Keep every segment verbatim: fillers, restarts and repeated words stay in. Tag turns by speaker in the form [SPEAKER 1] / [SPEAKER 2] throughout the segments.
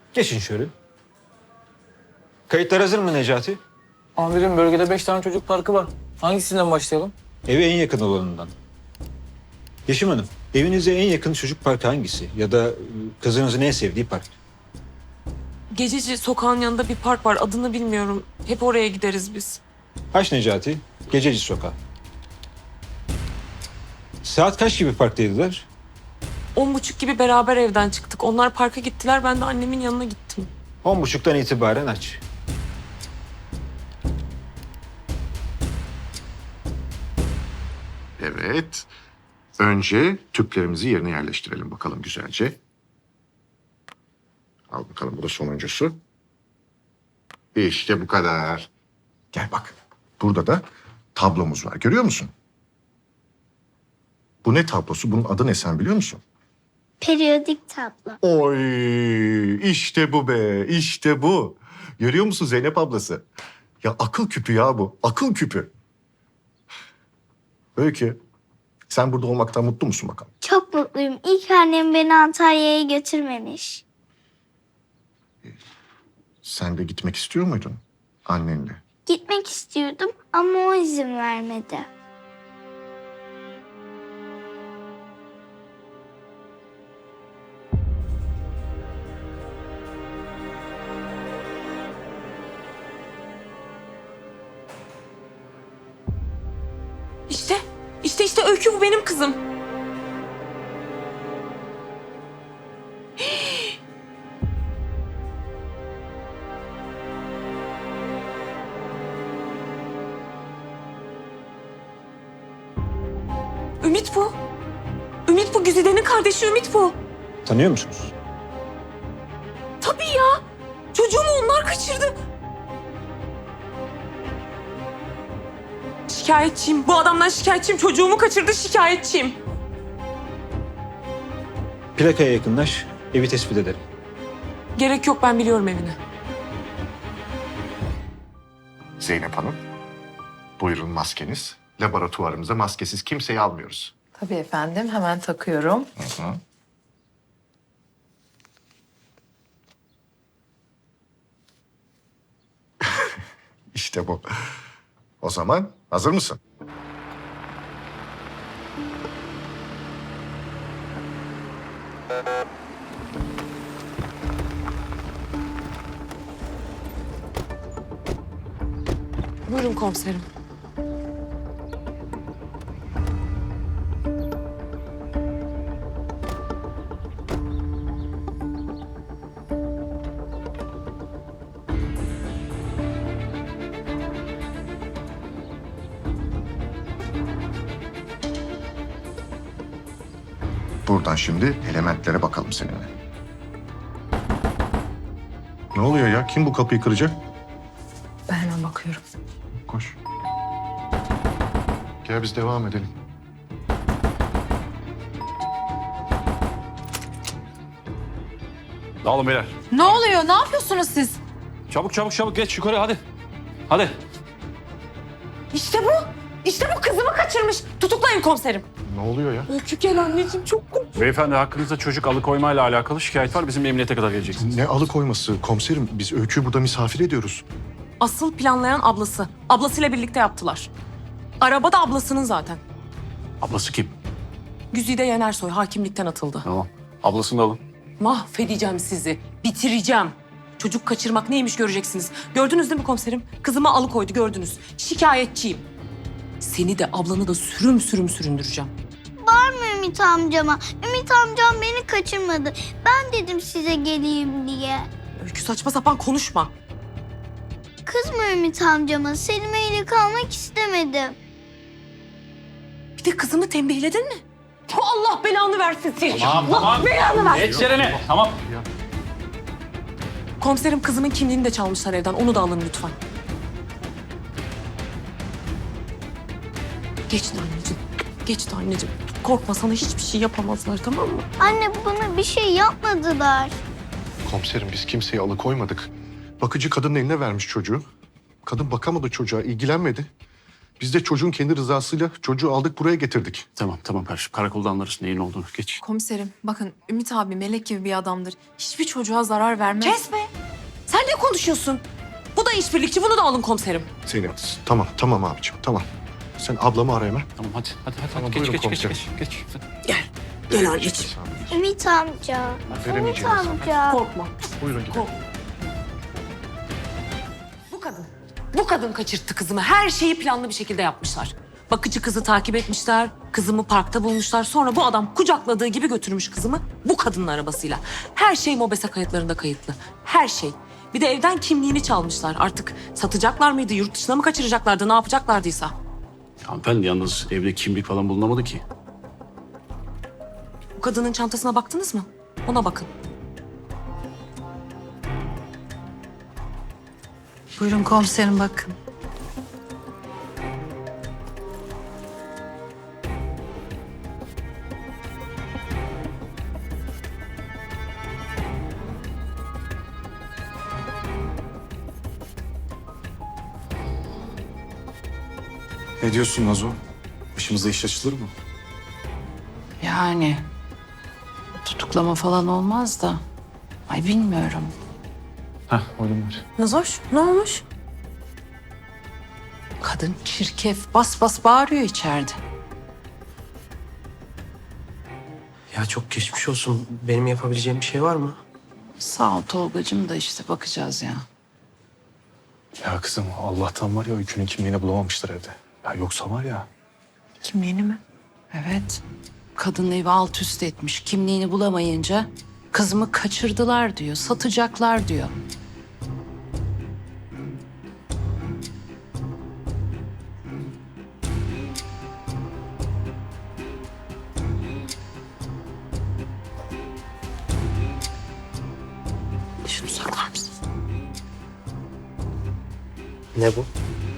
[SPEAKER 1] Geçin şöyle. Kayıtlar hazır mı Necati?
[SPEAKER 2] Amirim bölgede beş tane çocuk parkı var. Hangisinden başlayalım?
[SPEAKER 1] Eve en yakın olanından. Yeşim Hanım, evinize en yakın çocuk parkı hangisi? Ya da e, kızınızın en sevdiği park?
[SPEAKER 3] Gececi sokağın yanında bir park var. Adını bilmiyorum. Hep oraya gideriz biz.
[SPEAKER 1] Haç Necati, Gececi Sokağı. Saat kaç gibi parktaydılar?
[SPEAKER 3] On buçuk gibi beraber evden çıktık. Onlar parka gittiler. Ben de annemin yanına gittim.
[SPEAKER 1] On buçuktan itibaren aç.
[SPEAKER 4] Evet. Önce tüplerimizi yerine yerleştirelim bakalım güzelce. Al bakalım, bu da sonuncusu. İşte bu kadar. Gel bak. Burada da tablomuz var. Görüyor musun? Bu ne tablosu? Bunun adı ne, sen biliyor musun?
[SPEAKER 5] Periyodik tablo.
[SPEAKER 4] Oy, işte bu be, işte bu. Görüyor musun Zeynep ablası? Ya akıl küpü ya bu, akıl küpü. Öykü, sen burada olmaktan mutlu musun bakalım?
[SPEAKER 5] Çok mutluyum. İlk annem beni Antalya'ya götürmemiş.
[SPEAKER 4] Sen de gitmek istiyor muydun annenle?
[SPEAKER 5] Gitmek istiyordum ama o izin vermedi.
[SPEAKER 3] İşte, işte işte Öykü, bu benim kızım. Ümit bu. Ümit bu. Güzide'nin kardeşi Ümit bu.
[SPEAKER 1] Tanıyor musunuz?
[SPEAKER 3] Tabii ya. Çocuğumu onlar kaçırdı. Şikayetçiyim. Bu adamdan şikayetçiyim. Çocuğumu kaçırdı, şikayetçiyim.
[SPEAKER 1] Plakaya yakınlaş, evi tespit ederim.
[SPEAKER 3] Gerek yok, ben biliyorum evini.
[SPEAKER 4] Zeynep Hanım, buyurun maskeniz. Laboratuvarımıza maskesiz kimseyi almıyoruz.
[SPEAKER 6] Tabii efendim, hemen takıyorum.
[SPEAKER 4] Hı hı. İşte bu. O zaman hazır mısın?
[SPEAKER 3] Buyurun komiserim.
[SPEAKER 4] Buradan şimdi elementlere bakalım seninle. Ne oluyor ya? Kim bu kapıyı kıracak?
[SPEAKER 6] Ben hemen bakıyorum.
[SPEAKER 4] Koş. Gel biz devam edelim.
[SPEAKER 7] Dağılın beyler.
[SPEAKER 6] Ne oluyor? Ne yapıyorsunuz siz?
[SPEAKER 7] Çabuk çabuk çabuk geç yukarı hadi. Hadi.
[SPEAKER 3] İşte bu. İşte bu, kızımı kaçırmış. Tutuklayın komiserim.
[SPEAKER 4] Ne oluyor ya?
[SPEAKER 3] Öykü gel anneciğim, çok korktum.
[SPEAKER 7] Beyefendi, hakkınızda çocuk alıkoymayla alakalı şikayet var. Bizim emniyete kadar geleceksiniz.
[SPEAKER 4] Ne alıkoyması komiserim? Biz Öykü'yü burada misafir ediyoruz.
[SPEAKER 3] Asıl planlayan ablası. Ablasıyla birlikte yaptılar. Araba da ablasının zaten.
[SPEAKER 7] Ablası kim?
[SPEAKER 3] Güzide Yenersoy hakimlikten atıldı.
[SPEAKER 7] Tamam. Ablasını da alın.
[SPEAKER 3] Mahvedeceğim sizi. Bitireceğim. Çocuk kaçırmak neymiş göreceksiniz. Gördünüz değil mi komiserim? Kızımı alıkoydu, gördünüz. Şikayetçiyim. Seni de ablanı da sürüm sürüm süründüreceğim.
[SPEAKER 5] Bağırma Ümit amcama. Ümit amcam beni kaçırmadı. Ben dedim size geleyim diye.
[SPEAKER 3] Öykü, saçma sapan konuşma.
[SPEAKER 5] Kızma Ümit amcama. Selime ile kalmak istemedim.
[SPEAKER 3] Bir de kızımı tembihledin mi? Allah belanı versin seni.
[SPEAKER 7] Tamam,
[SPEAKER 3] Allah
[SPEAKER 7] tamam.
[SPEAKER 3] belanı versin.
[SPEAKER 7] Geç yerine. Tamam.
[SPEAKER 3] Komiserim, kızımın kimliğini de çalmışlar evden. Onu da alın lütfen. Geçti anneciğim. Geçti anneciğim. Korkma, sana hiçbir şey yapamazlar, tamam mı?
[SPEAKER 5] Anne bana bir şey yapmadılar.
[SPEAKER 4] Komiserim biz kimseyi alıkoymadık. Bakıcı kadının eline vermiş çocuğu. Kadın bakamadı çocuğa, ilgilenmedi. Biz de çocuğun kendi rızasıyla çocuğu aldık buraya getirdik.
[SPEAKER 7] Tamam tamam kardeşim. Karakolda anlarız neyin olduğunu. Geç.
[SPEAKER 6] Komiserim bakın Ümit abi melek gibi bir adamdır. Hiçbir çocuğa zarar vermez.
[SPEAKER 3] Kesme. Sen ne konuşuyorsun? Bu da işbirlikçi, bunu da alın komiserim.
[SPEAKER 4] Zeynep tamam tamam abicim tamam. Sen ablamı ara hemen.
[SPEAKER 7] Tamam hadi hadi hadi.
[SPEAKER 4] Tamam,
[SPEAKER 7] geç,
[SPEAKER 4] buyurun
[SPEAKER 7] geç, geç
[SPEAKER 4] komiserim.
[SPEAKER 7] geç geç geç.
[SPEAKER 3] Gel anneciğim.
[SPEAKER 5] Ümit amca. Ümit
[SPEAKER 4] Veremeyeceğim sana.
[SPEAKER 5] amca.
[SPEAKER 3] Korkma.
[SPEAKER 4] Buyurun gidelim.
[SPEAKER 3] Bu kadın. Bu kadın kaçırttı kızımı. Her şeyi planlı bir şekilde yapmışlar. Bakıcı kızı takip etmişler. Kızımı parkta bulmuşlar. Sonra bu adam kucakladığı gibi götürmüş kızımı bu kadının arabasıyla. Her şey MOBESE kayıtlarında kayıtlı. Her şey. Bir de evden kimliğini çalmışlar. Artık satacaklar mıydı, yurt dışına mı kaçıracaklardı, ne yapacaklardıysa.
[SPEAKER 7] Hanımefendi yalnız evde kimlik falan bulunamadı ki.
[SPEAKER 3] Bu kadının çantasına baktınız mı? Ona bakın.
[SPEAKER 6] Buyurun komiserim bakın.
[SPEAKER 8] Ne diyorsun Nazo? Başımıza iş açılır mı?
[SPEAKER 9] Yani tutuklama falan olmaz da. Ay bilmiyorum.
[SPEAKER 7] Heh oğlum var.
[SPEAKER 3] Nazoş, ne olmuş?
[SPEAKER 9] Kadın çirkef bas bas bağırıyor içeride.
[SPEAKER 10] Ya çok geçmiş olsun. Benim yapabileceğim bir şey var mı?
[SPEAKER 9] Sağ ol Tolgacığım da işte bakacağız ya.
[SPEAKER 8] Ya kızım Allah'tan var ya öykünün kimliğini bulamamışlar evde. Ya yoksa var ya.
[SPEAKER 3] Kimliğini mi?
[SPEAKER 9] Evet. Kadın evi alt üst etmiş. Kimliğini bulamayınca kızımı kaçırdılar diyor. Satacaklar diyor.
[SPEAKER 3] Şunu saklar mısın?
[SPEAKER 10] Ne bu?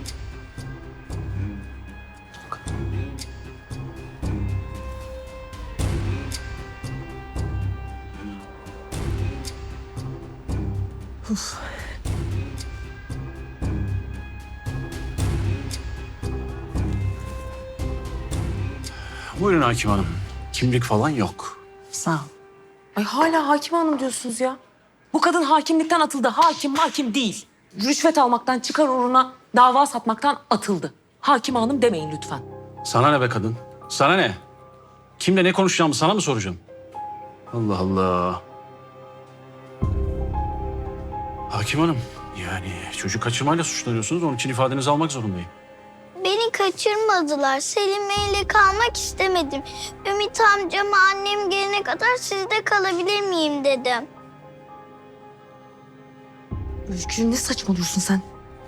[SPEAKER 7] Buyurun hakim hanım. Kimlik falan yok.
[SPEAKER 9] Sağ ol.
[SPEAKER 3] Ay hala hakim hanım diyorsunuz ya. Bu kadın hakimlikten atıldı. Hakim hakim değil. Rüşvet almaktan, çıkar uğruna dava satmaktan atıldı. Hakim hanım demeyin lütfen.
[SPEAKER 7] Sana ne be kadın? Sana ne? Kimle ne konuşacağımı sana mı soracağım? Allah Allah. Hakim hanım, yani çocuk kaçırmayla suçlanıyorsunuz. Onun için ifadenizi almak zorundayım.
[SPEAKER 5] Beni kaçırmadılar. Selim'le ile kalmak istemedim. Ümit amcama annem gelene kadar sizde kalabilir miyim dedim.
[SPEAKER 3] Öykü ne saçmalıyorsun sen?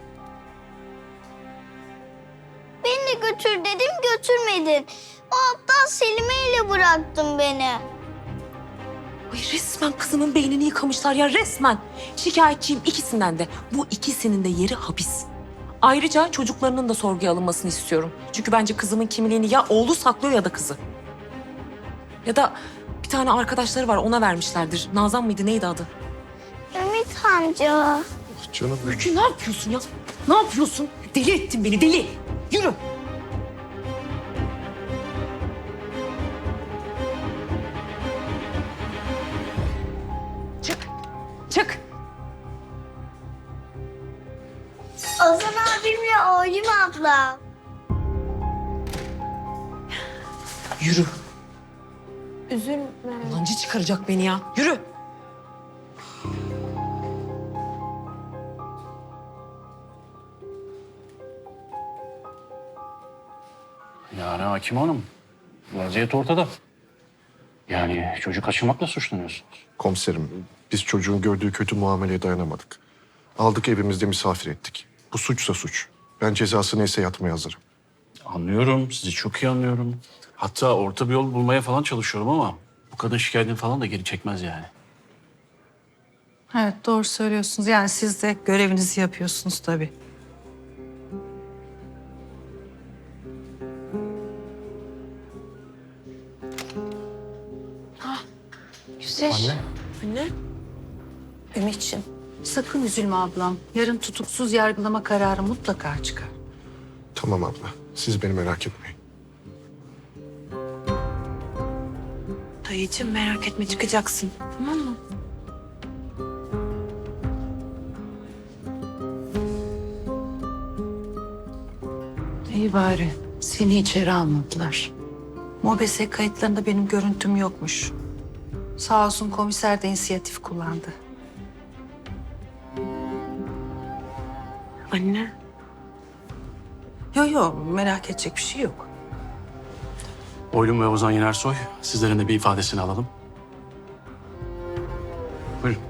[SPEAKER 5] Beni de götür dedim, götürmedin. O aptal Selim'e ile bıraktın beni.
[SPEAKER 3] Ay resmen kızımın beynini yıkamışlar ya resmen. Şikayetçiyim ikisinden de. Bu ikisinin de yeri hapis. Ayrıca çocuklarının da sorguya alınmasını istiyorum. Çünkü bence kızımın kimliğini ya oğlu saklıyor ya da kızı. Ya da bir tane arkadaşları var ona vermişlerdir. Nazan mıydı neydi adı?
[SPEAKER 5] Ümit amca.
[SPEAKER 4] Canım benim.
[SPEAKER 3] Öykü ne yapıyorsun ya? Ne yapıyorsun? Deli ettin beni deli. Yürü. Çık. Çık.
[SPEAKER 5] Ozan abimle Oğlum abla.
[SPEAKER 3] Yürü.
[SPEAKER 5] Üzülme.
[SPEAKER 3] Yalancı çıkaracak beni ya. Yürü.
[SPEAKER 7] Yani hakim hanım, vaziyet ortada. Yani çocuk kaçırmakla suçlanıyorsunuz.
[SPEAKER 4] Komiserim biz çocuğun gördüğü kötü muameleye dayanamadık. Aldık evimizde misafir ettik. Bu suçsa suç. Ben cezası neyse yatmaya hazırım.
[SPEAKER 7] Anlıyorum, sizi çok iyi anlıyorum. Hatta orta bir yol bulmaya falan çalışıyorum ama bu kadın şikayetini falan da geri çekmez yani.
[SPEAKER 6] Evet doğru söylüyorsunuz. Yani siz de görevinizi yapıyorsunuz tabii.
[SPEAKER 9] Güzel.
[SPEAKER 3] Anne.
[SPEAKER 9] Ümit'ciğim sakın üzülme ablam. Yarın tutuksuz yargılama kararı mutlaka çıkar.
[SPEAKER 4] Tamam abla. Siz beni merak etmeyin.
[SPEAKER 6] Dayıcığım merak etme çıkacaksın. Tamam mı?
[SPEAKER 9] İyi bari seni içeri almadılar. Mobese kayıtlarında benim görüntüm yokmuş. Sağ olsun komiser de inisiyatif kullandı.
[SPEAKER 6] Anne.
[SPEAKER 9] Yok yok merak edecek bir şey yok.
[SPEAKER 7] Oylum ve Ozan Yenersoy, sizlerin de bir ifadesini alalım. Buyurun.